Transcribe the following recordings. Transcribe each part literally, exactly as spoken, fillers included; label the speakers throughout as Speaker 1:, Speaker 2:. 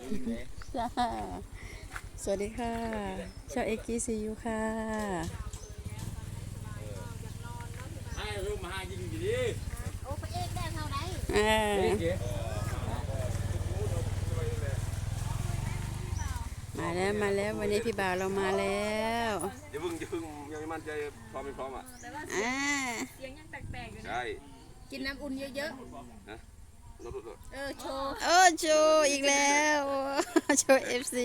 Speaker 1: จ้าสวัสดีค่ะชาวเอ็กซ์ซียูค่ะ
Speaker 2: ให้รูปมายิงกี่ดี
Speaker 3: โอ้พระเอกได้เท่าไหร่
Speaker 1: อ่ามาแล้วมาแล้ววันนี้พี่บ่าวเรามาแล้ว
Speaker 2: อย่าพึ่งอย่าพึ่งยังไม่มั่นใจพร้อมไม่พร้อมอ่ะ
Speaker 1: อ่า
Speaker 3: เสียงยังแปลกๆอยู่นะ
Speaker 2: ใช่
Speaker 3: กินน้ำอุ่นเยอะ
Speaker 2: ๆนะรถรถ
Speaker 3: เออโชว์
Speaker 1: โอ้โชอีกแล้วโชว์เอฟซี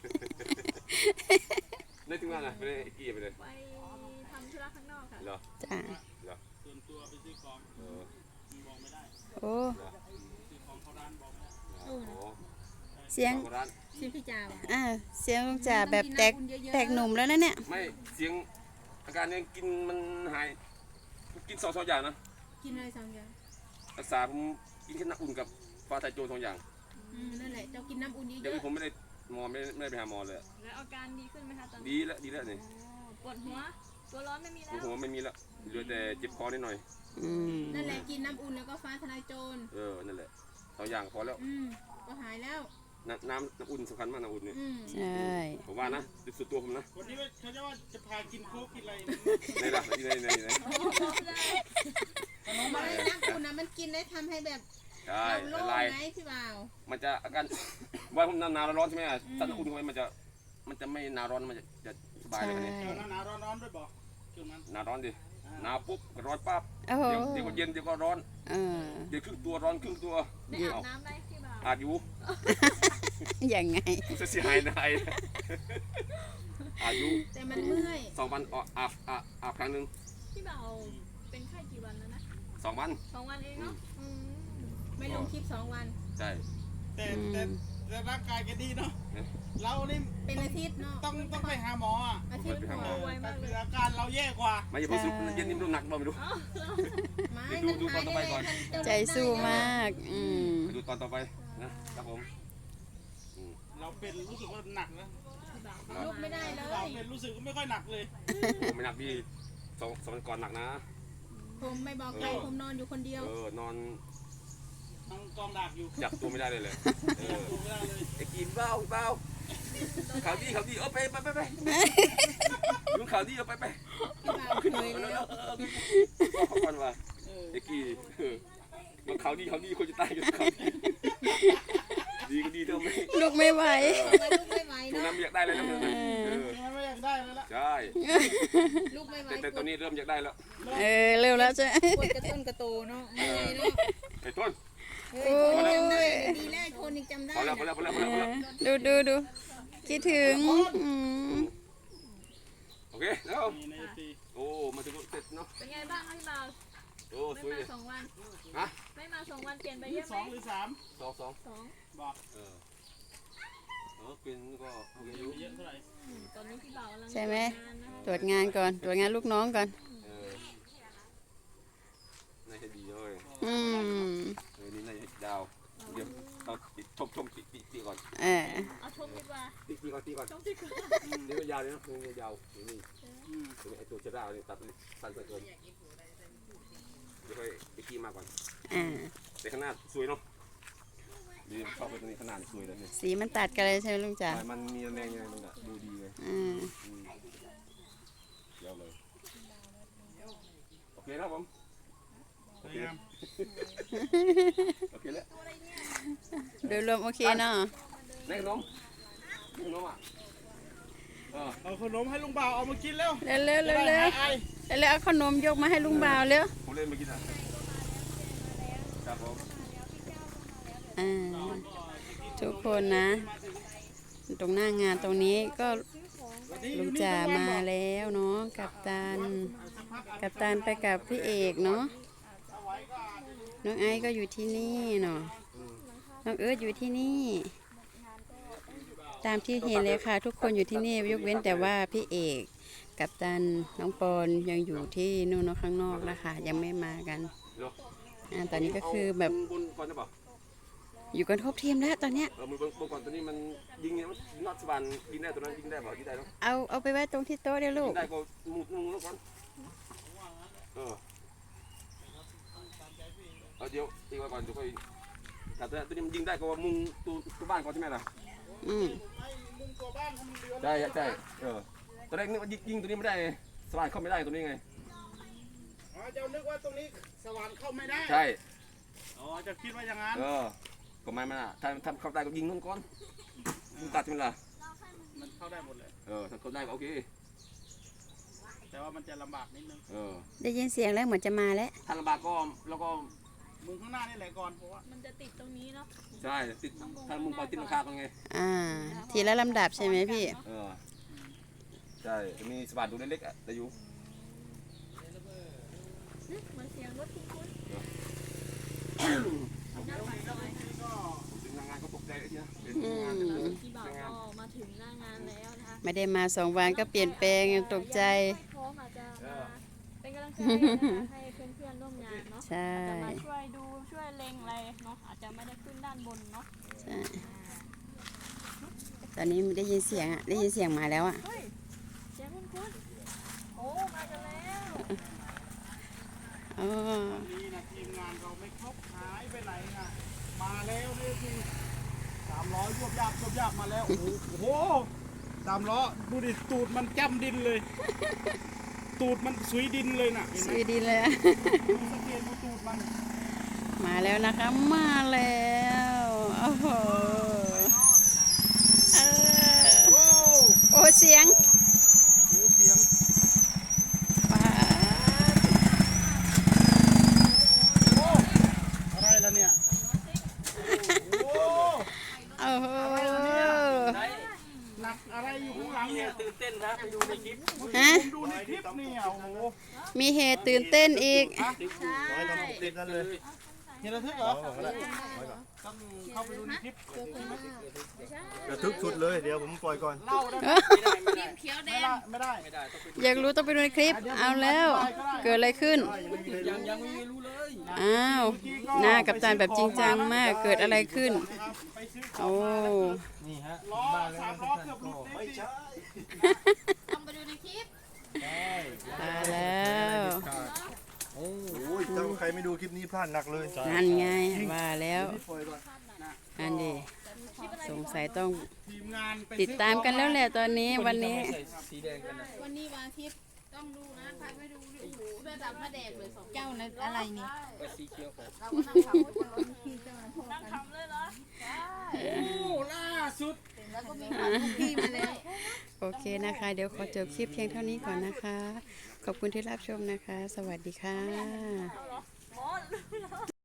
Speaker 2: ได้ถึงงานนะไปเลยกี่ไปเลย
Speaker 3: ไปทำธุระข้างนอกค่ะ
Speaker 2: เหรอ
Speaker 1: จ้า
Speaker 2: เหรอส่วนตัวไปซื้อของเออบอกไม่ได้
Speaker 1: โอ้
Speaker 2: ซื้อของเขาร้านบอกไม่ได้
Speaker 1: เสียง
Speaker 3: เสียงพี่จ่า
Speaker 1: อ่าเสียงลุงจ่าแบบแตกแตกหนุ่มแล้วนะเนี่ย
Speaker 2: ไม่เสียงอาการยังกินมันหายกินสองสองอย่างนะ
Speaker 3: กินอะไรสองอย่าง
Speaker 2: รักษาผมกินแค่น้ำอุ่นกับฟ้าไทยโจรสองอย่าง
Speaker 3: อืมนั่นแหละเจ้ากินน้ำอุ่นเยอะ
Speaker 2: เดี๋ยวผมไม่ได้หมอไม่ไม่ได้ไปหาหมอเลย
Speaker 3: แล้วอาการดีขึ้นไหมคะตอนนี้
Speaker 2: ดีแล้วดีแล้วนี่
Speaker 3: ปวดหัวตัวร้อนไม่มีแล้ว
Speaker 2: หัวไม่มีแล้วเหลือแต่เจ็บคอนิดหน่อย
Speaker 3: นั่นแหละกินน้ำอุ่นแล้วก็ฟ้าทลายโจร
Speaker 2: เออนั่นแหละสองอย่างพอแล้ว
Speaker 3: อืมก็หายแล้ว
Speaker 2: น้ำน้ำน้ำอุ่นสำคัญมากน้ำอุ่นเนี่ย
Speaker 1: ใช่
Speaker 2: ผมว่านะสุดตัวผมนะ
Speaker 4: วันนี้เขาจะว่าจะพากินโค้กกินอะไร
Speaker 2: ในละในในใน
Speaker 3: ขนมอะไรน้ำอุ่นนะมันกินได้ทำให้แบบเราโล่งไหมพี่บ่าว
Speaker 2: มันจะอาการว่าผมหนาวร้อนใช่ไหมถ้าน้ำอุ่นเข้าไปมันจะมันจะไม่หนาวร้อนมันจะจะสบายเลยเนี่ย
Speaker 4: หนาวร้อนร้อนด้วยบอกเกี่ยวมัน
Speaker 2: หนาวร้อนดิหนาวปุ๊บก็ร้อนปั๊บเดี๋ยวเดี๋ยวก็เย็นเดี๋ยวก็ร้อนเดี๋ยวครึ่งตัวร้อนครึ่งตัว
Speaker 3: ไม่อาบน้ำได้พี่บ่าว
Speaker 2: อาบอยู่
Speaker 1: ยังไง
Speaker 2: จะเสียหายนะไอ้อายุ
Speaker 3: แต่มันเมื่อย
Speaker 2: สองวันอาบอาบอาบครั้งหนึ่ง
Speaker 3: พี่บ่าวเป็นไข้กี่วันแล้วนะ
Speaker 2: สองวัน
Speaker 3: สองวันเองเนาะไม่ลงคลิปสองวัน
Speaker 2: ใช่
Speaker 4: แต่แต่แต่ร่างกายแกดีเนาะเรานี่
Speaker 3: เป็นอาทิตย์เนาะ
Speaker 4: ต้องต้องไปหาหมออ่ะ
Speaker 3: อาทิตย์ป่วยมากเลย
Speaker 4: อาการเราแย่กว่า
Speaker 2: ไม่อย่าไปสุดเย็นนิ่มหนักบ้างไม่รู้ดูดูตอนต่อไปก่อน
Speaker 1: ใจสู้มากอืม
Speaker 2: ดูตอนต่อไปนะครับผม
Speaker 4: เราเป็นรู้สึกว่าหนักนะ
Speaker 3: ลุกไม่ได้เลย
Speaker 4: เราเป็นรู้สึกก็ไม่ค่อยหนักเลย
Speaker 2: ผมไม่หนักพี่สองสองวันก่อนหนักนะ
Speaker 3: ผมไม่บอกใครผมนอนอยู่คนเดียว
Speaker 2: เออนอน
Speaker 4: นั่งกองดักอยู่
Speaker 2: จับตัวไม่ได้เลยเลยไอ้กินเบ้าเบ้าข่าวดีข่าวดีเอาไปไปไปไปลุงข่าวดีเอาไปไปขึ้นเลยแล้วบอกเขาก่อนว่าไอ้กีมันข่าวดีข่าวดีคนจะตายกันข่าวดีดีก็ดีเท่าไหร่
Speaker 1: ลุกไม่ไหว
Speaker 3: ลุกไม่ไหว
Speaker 2: ช่วงนั้นอยากได้เลยนะ
Speaker 4: ไม่อยากได้แล้วล่ะ
Speaker 2: ใช่
Speaker 3: ลุกไม่ไหว
Speaker 2: แต่ตอนนี้เริ่มอยากได้แล้ว
Speaker 1: เออเร็วแล้วใช่
Speaker 3: ปวดกระต้นกระโตเนาะไม่ไงเนาะ
Speaker 2: ไอ้ต้น
Speaker 3: เฮ้ยคนจำได้ดีแรกคนยังจำได้
Speaker 2: พอแล้วพอแล้วพอแล้วพอแล้ว
Speaker 1: ดูดูดูคิดถึง
Speaker 2: โอเคแล้วโอ้มาถึงเสร็จเนาะ
Speaker 3: เป็นไงบ้างพี่บ่าว
Speaker 2: โอ้สวยเลย
Speaker 3: สองวัน
Speaker 2: ฮะ
Speaker 3: ไม่มาสองวันเปลี่ยนไปเยอะไหม
Speaker 4: สองหรือสาม
Speaker 2: สองสอง
Speaker 3: สอง
Speaker 4: บอก
Speaker 2: เออเออเป็นก็โอเคอยู่
Speaker 4: เยอะเท่าไหร่
Speaker 3: ตอนนี้พี่บ่าวกำลัง
Speaker 1: ใช่ไหมตรวจงานก่อนตรวจงานลูกน้องก่อน
Speaker 2: เออน่าจะดีเลย
Speaker 1: อืม
Speaker 2: เออนี่น่าจะดาวเดี๋ยวต้องชมชมตีตีก่อน
Speaker 1: เออ
Speaker 3: เอาชมดีกว่า
Speaker 2: ตีตีก่อนตีก่อน
Speaker 3: ชมดีกว่า
Speaker 2: เดี๋ยวยาวเลยนะเดี๋ยวยาวนี่นี่ไอตัวเชราเนี่ยตัดสั้นเกินเดี๋ยวค่อยไปขี้มาก่อนแต่ขนาดสวยเนาะดีชอบไปตรงนี้ขนาดสวยเลยเนี่ย
Speaker 1: สีมันตัดกันเลยใช่ไหมลุงจ๋า
Speaker 2: มันมีแรงยังไงมันอะดูดีเลย
Speaker 1: อืม
Speaker 2: เดี๋ยวเลยโอเคครับผมโอเคโอเคแล้ว
Speaker 1: โดยรวมโอเคเนาะ
Speaker 2: ได้ขนมขนมอ่ะ
Speaker 4: เอาขนมให้ลุงบ่าวเอามากินแล้ว
Speaker 1: เร็วเร็วเร็วเร็วแล้วเอาขนมยกมาให้ลุงบ่าวเร็ว
Speaker 2: ผมเล่นมากินอ่ะครับผม
Speaker 1: อ่าทุกคนนะตรงหน้างานตรงนี้ก็ลุงจ่ามาแล้วเนาะกับตันกับตันไปกับพี่เอกเนาะน้องไอซ์ก็อยู่ที่นี่เนาะน้องเอิร์ธอยู่ที่นี่ตามที่เห็นเลยค่ะทุกคนอยู่ที่นี่ยกเว้นแต่ว่าพี่เอกกับตันน้องปอนยังอยู่ที่นู่นข้างนอกนะคะยังไม่มากันอ่าตอนนี้ก็คือแบบอยู่กันครบทีมแล้วตอนเนี้ย
Speaker 2: เออมือบนก่อนตอนนี้มันยิงเนี่ยมันนอตสบันยิงได้ตัวนั้นยิงได้บ่ยิงได้เนาะ
Speaker 1: เอาเอาไปไว้ตรงที่โต๊ะเดี๋ยวลูก
Speaker 2: ได้ก็มุดมุดก่อนเออเอาเดี๋ยวตีไว้ก่อนเดี๋ยวค่อยแต่ตัวนี้มันยิงได้ก็มุงตัวตัวบ้านก่อนใช่ไหมล่ะ
Speaker 1: อืม
Speaker 4: ไอ้มุมตัวบ้านเขามันเดือน
Speaker 2: ใช่ใช่เออตอนแรกนึกว่ายิงยิงตัวนี้ไม่ได้ไงสว่านเข้าไม่ได้ตัวนี้ไง
Speaker 4: อ๋อเจ้านึกว่าตรงนี้สว่านเข้าไม่ได้
Speaker 2: ใช่
Speaker 4: อ๋อเจะคิดว่าอย่างนั้น
Speaker 2: เออก็ไม่มันอ่ะถ้าถ้าเข้าได้ก็ยิงนู่นก่อนมึงตัดมันล่ะ
Speaker 4: มันเข้าได้หมดเลย
Speaker 2: เออถ้าเข้าได้ก็โอเค
Speaker 4: แต่ว่ามันจะลำบากนิดนึง
Speaker 2: เออ
Speaker 1: ได้ยินเสียงแล้วเหมือนจะมาแล้ว
Speaker 2: ถ้าลำบากก็แล้วก็
Speaker 4: มุมข้างหน้านี่แหละก่อนเพราะว่า
Speaker 5: มันจะติดตรงนี้เนาะ
Speaker 2: ใช่ติดถ้ามุมพอติดราคากันไง
Speaker 1: อ่า ทีละลำดับใช่ไหมพี่
Speaker 2: เออใช่จะมีสว่านดูเล็กๆอ่ะแต่อยู่
Speaker 5: เหมือนเสียงรถคุ้น
Speaker 2: ถึงงานก็ตกใจเลยทีนะเป็น
Speaker 1: อื
Speaker 2: งาน
Speaker 1: ม
Speaker 5: ๆพี่บ่าวก็มาถึงหน้างานแล้วนะคะ
Speaker 1: ไม่ได้มาสองวันก็เปลี่ยนแปลงตกใจ
Speaker 5: พร้อมอาจจะมาเป็นกำลังใจนะคะให้เพื่อนๆร่วมงานเนาะ
Speaker 1: ใช่
Speaker 5: จะมาช่วยดูช่วยเล็งอะไรเนาะอาจจะไม่ได้ขึ้นด้านบนเนาะ
Speaker 1: ใช่ตอนนี้ได้ยินเสียงอ่ะ ได้ยินเสียงมาแล้วอ่ะ
Speaker 5: เฮ้ยเสียงคุ้นๆโอ้มากันแล้ว
Speaker 1: อ๋อ
Speaker 4: นี่นะทีมงานเราไม่ครบหายไปไหนนะมาแล้วนี่คือสามล้อยวบยาบยวบยาบมาแล้ว โอ้โหสามล้อดูดิตูดมันจ้ำดินเลย ตูดมันสุยดินเลยน่ะเห็นไห
Speaker 1: ส
Speaker 4: ม
Speaker 1: วยดีเลยอะ
Speaker 4: ดูสังเกตดูตูดมัน
Speaker 1: มาแล้วนะคะ มาแล้วโอ้โหเออ
Speaker 4: โอ้
Speaker 1: โอ้เสียง
Speaker 4: โหเสียง
Speaker 1: ปาด
Speaker 4: โอ้อะไรล่ะเนี่ยโอ้
Speaker 1: โอ้โห
Speaker 4: หนักอะไรอยู่ข้างหลังเนี่ย
Speaker 2: ตื่นเต้นนะไปดูในคลิป
Speaker 1: ฮะ
Speaker 4: ผมดูในคลิปเนี่ยโอ้โห
Speaker 1: มีเหตุตื่นเต้นอีก
Speaker 4: ติดนั่นเลยเห็นระทึกเหรอต้องเข้าไปดูในคลิป
Speaker 6: ระทึกสุดเลยเดี๋ยวผมปล่อยก่อน
Speaker 4: เล่าได้ไหม
Speaker 3: เขียวแด
Speaker 4: ไม่
Speaker 3: ง
Speaker 4: ได้ไม่ได้
Speaker 1: อยากรู้ต้องไปดูในคลิป เอาแล้ว เกิดอะไรขึ้น
Speaker 2: ยังยังไม่รู้เลย
Speaker 1: อ้าว หน้ากับตาแบบจริงจังมาก เกิดอะไรขึ้น
Speaker 4: ไปซื้อ
Speaker 1: โอ้
Speaker 6: นี่ฮะ
Speaker 4: ล้อสามล้อเกือบหลุดไม่ใช่
Speaker 3: ต้องไปดูในคลิป
Speaker 1: ตายแล้ว
Speaker 6: โอ้ยถ้าใครไม่ดูคลิปนี้พลาดหนักเลย
Speaker 1: นั่นไงว่าแล้ว
Speaker 6: ปล่อยก่อน
Speaker 1: นั่นดิสงสัยต้อง
Speaker 4: ทีมงานไป
Speaker 1: ติดตามกันแล้วแหละตอนนี้วันนี้
Speaker 2: สีแดงกันนะ
Speaker 3: วันนี้วันอาทิตย์ต้องดูนะใครไม่ดูนี่โอ้โหเลือดดำมาแดงเลยสองเจ้านะอะไรนี่
Speaker 2: ไปสีเขียวของ
Speaker 3: เราก็นั่งทำกันแล้วพี่เจ้านะพวก
Speaker 5: นั่ง
Speaker 3: กัน
Speaker 5: ทำเลยเหรอ
Speaker 4: โอ้ล่าสุด
Speaker 3: แล้วก็มีความทุกที่มาแล้ว
Speaker 1: โอเคนะคะ เดี๋ยวขอจบคลิปเพียงเท่านี้ก่อนนะคะ ขอบคุณที่รับชมนะคะ สวัสดีค่ะ